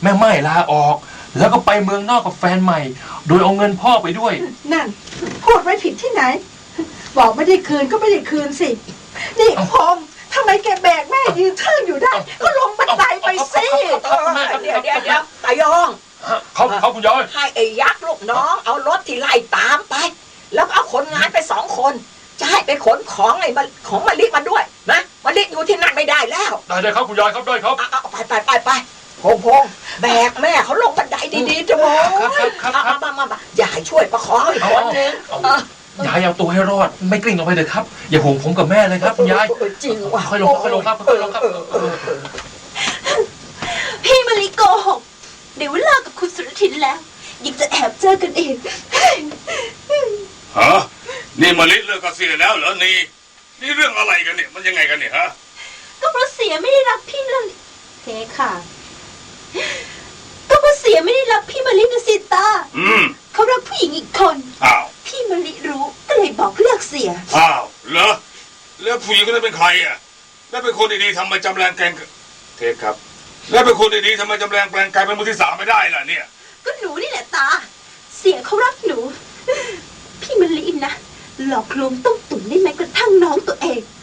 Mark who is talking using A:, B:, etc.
A: แม่ไม่ลาออกแล้วก็ไปเมืองนอกกับแฟนใหม่โดยเอาเงินพ่อไปด้วย
B: นั่นพูดไว้ผิดที่ไหนบอกไม่ได้คืนก็ไม่ได้คืนสินี่พงษ์ทำไมแกแบกแม่ยืนเทิงอยู่ได้ก็ลงบันไดไปสิ
C: เดี๋ยวตายอง
A: เขาคุณยาย
C: ให้ไอ้ยักษ์ลูกน้องเอารถที่ไล่ตามไปแล้วเอาคนงานไป2 คนจะให้ไปขนของไอ้ของมะลิมาด้วยนะมะลิอยู่ที่นั่นไม่ได้แล้ว
A: ได้ครับคุณยายครับได้ครับ
C: เอาไปพงแบกแม่เขาลงบันไดดีๆจะบอกมาอย่าให้ช่วยประคองอีกคนนึง
A: ยายเอาตัวให้รอดไม่กลิ้งลงไปเลยครับอย่าห่วงผมกับแม่เลยครับคุณยาย
C: จริงว่ะ
A: ค่อยลงครับ
D: พี่มะลิโกหกเดี๋ยวเลิกกับคุณสุรทินแล้วยังจะแอบเจอกันอีก
E: ฮะนี่มะลิเลิกกับเสียแล้วเหรอนี่เรื่องอะไรกันเนี่ยมันยังไงกันเนี่ยฮะ
D: ก็เพราะเสียไม่ได้รักพี่เลยเทค่ะก็เพราะเสียไม่ได้รักพี่มะลินะสิตาเขารักผู้หญิงอีกคนพี่มะลิรู้ก็เลยบอกเลิกเสีย
E: เหรอแล้วผู้หญิงคนนั้นเป็นใครอ่ะแล้วเป็นคนดีๆทำไมจำแรงแกงเทคครับแล้วเป็นคนดีๆทำไมจำแรงแปลงกายเป็นมือที่3ไม่ได้ล่ะเนี่ย
D: ก็หนูนี่แหละตาเสียเขารักหนูพี่มะลินะหลอกลวงต้มตุ๋นได้แม้กระทั่งน้องตัวเอง